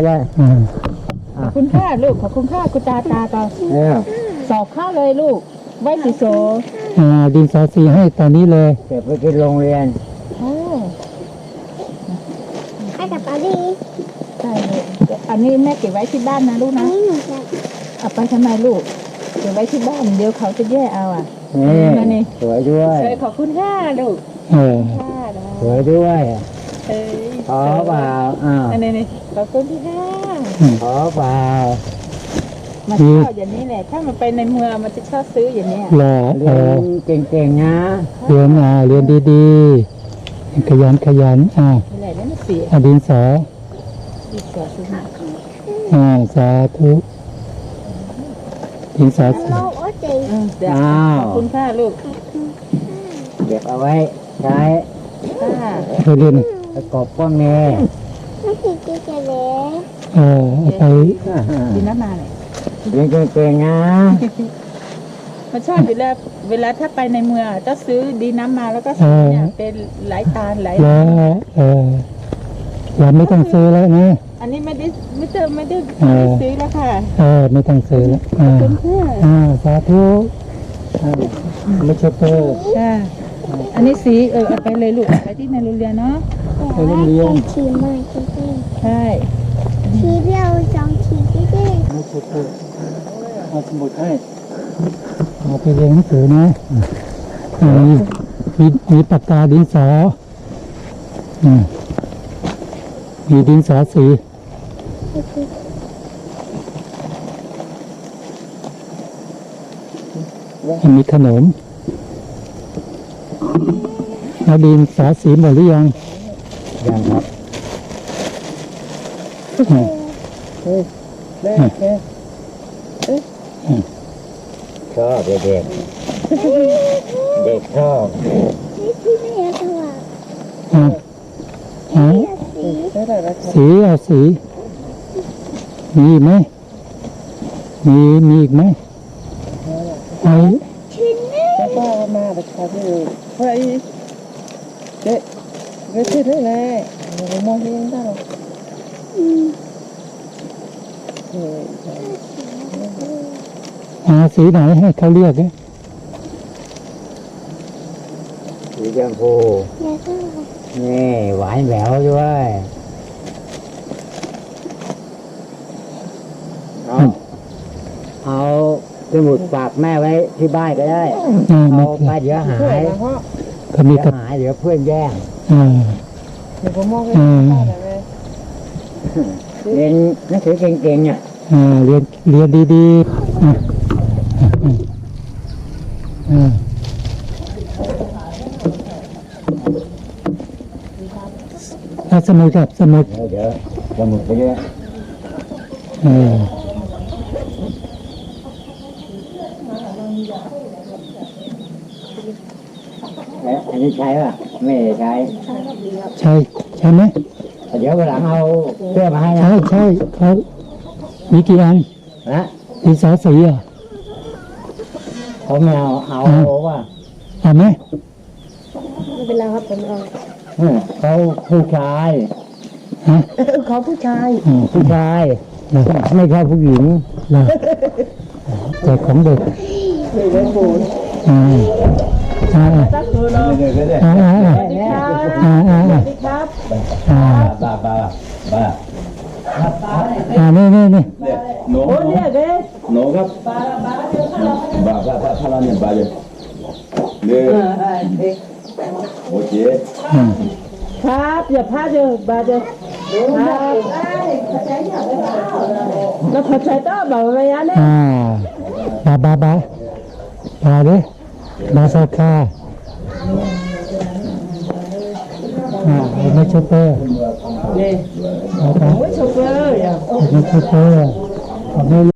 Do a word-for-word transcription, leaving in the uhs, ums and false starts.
ด้วยอืมขอบคุณค่าลูกขอบคุณค่าคุณตาตาต่อเนี่ยสอบเข้าเลยลูกไว้ติโซอ่าดินสอสีให้ตอนนี้เลยเก็บไปที่โรงเรียนโอ้ให้กับปารีใช่เลยอันนี้แม่เก็บไว้ที่บ้านนะลูกอันะนนี้หนูจะเอาไปทำไมลูกเก็บไว้ที่บ้านเดี๋ยวเขาจะแย่เอาอ่ะนี่นั่นนี่สวยด้วยเอ้ยขอบคุณค่ะลูกเออค่ะนะสวยด้วยเอ้ยขอเปล่าอ้าวอันนี้นี่ขอบคุณค่ะขอเปล่ามันชอบอย่างนี้แหละถ้ามันไปในเมืองมันจะชอบซื้ออย่างเนี้ยรอเอเรียอนเก่งๆนะเรียนอ่าเรียนดีๆขยันขยันอ่านี่แหละนี่มันเสียอ่าดินสอดีกว่าซื้อมาอ่าสาธุดินสอสีโลกโอ้เจ๋งเออเดี๋ยวขอบคุณค่ะลูกเก็บเอาไว้ใช้ค่ะไปเรียนประกอบพวกนี้ไม่ติดติดเลยเออเอาไปดีน้ำมาเลยเรียนเก่งๆนะมันชอบอยู่แล้วเวลาถ้าไปในเมืองจะซื้อดีน้ำมาแล้วก็ซื้อเนี่ยเป็นหลายตาลหลายแล้วเออเราไม่ต้องซื้อแล้วนะอันนี้ไม่ได้ไม่เจอไม่ได้เออซื้อแล้วค่ะเออไม่ต้องซื้อแล้วอ่าคุณค่ะอ่าสาธุอ่าไม่ใช่เตอร์ค่ะอันนี้สีเออเอาไปเลยลูกเอาไปที่ในโรงเรียนเนาะแต่ว่าเป็นทีมมาจริงใช่ๆทีเดียวสองทีจริงไม่ใช่เตอร์เอาสมุดให้เอาไปเรียนหนังสือนะอ่ามีมีมีปากกาดินสออืมมีดินสอสีมีขนมแล้วดินสอสีหมดหรือยังยังครับอืมเด็กเด็กชอบเด็กๆเด็กชอบๆที่ไม่อยากถวายอ่าอ่าสีได้แต่ละคนสีเอาสี มีอีกไหมมีมีอีกไหมไอ้ชิ้นนี้ป้ามาแต่ค่ะพี่เฮ้ยเด็กเด็กที่ได้เลยมองเห็นได้หรออืมเฮ้ยอาสีไหนให้เขาเรียกเนี่ยสีชมพูอยากถวายนี่หวานแหววด้วยเอาเอาสมุดฝากแม่ไว้ที่บ้านก็ได้อ่าเอาไม่ไปเดี๋ยวหายเขามีเดี๋ยวกับหายเดี๋ยวเพื่อนแย่งอ่าเดี๋ยวผมมองเห็นอ่าได้เลยเรียนหนังสือเก่งๆเนี่ยอ่าเรียนเรียนดีๆอ่าอ่าอ่าสมุดครับสมุดเดี๋ยวเดี๋ยวสมุดไปเยอะเออแล้วอันนี้ใช้ป่ะไม่ได้ใช้ใช่ใช่ไหมเดี๋ยววันหลังเอาเสื้อมาให้นะใช่ใช่เขามีกี่อันนะดินสอสีอ่ะเขาไม่เอาเอาว่าเอาไหมไม่เป็นไรครับผมเอาเออเขาผู้ชายฮะเขาผู้ชายอ๋อผู้ชายเหรอไม่ใช่ผู้หญิงเหรอแต่ของเด็กเด็กเล่นปูนอ่าอ่าสักตัวเนาะอ่าอ่าอ่าสวัสดีครับอ่าอ่าสอ่าวัสดีครับอ่าบ้าบ้าบ้าอ่านี่นี่นี่ No, โอ้เนี่ยเด็ก no,ครับบ้าบ้าบ้าพลังเนี่ยบ้าเลยเนี่ยเออเด็กโอเคอ่าครับอย่าพลาดเด้อบาเด้อครับแล้วพอใช้ต่อบอกว่าอย่างนี้อ่าบาบาบาบาดิบาซาคาอ่าไม่ใช่เปอร์นี่เอาไปโอ้ยโชเฟอร์อย่าไม่ใช่เปอร์เอาไม่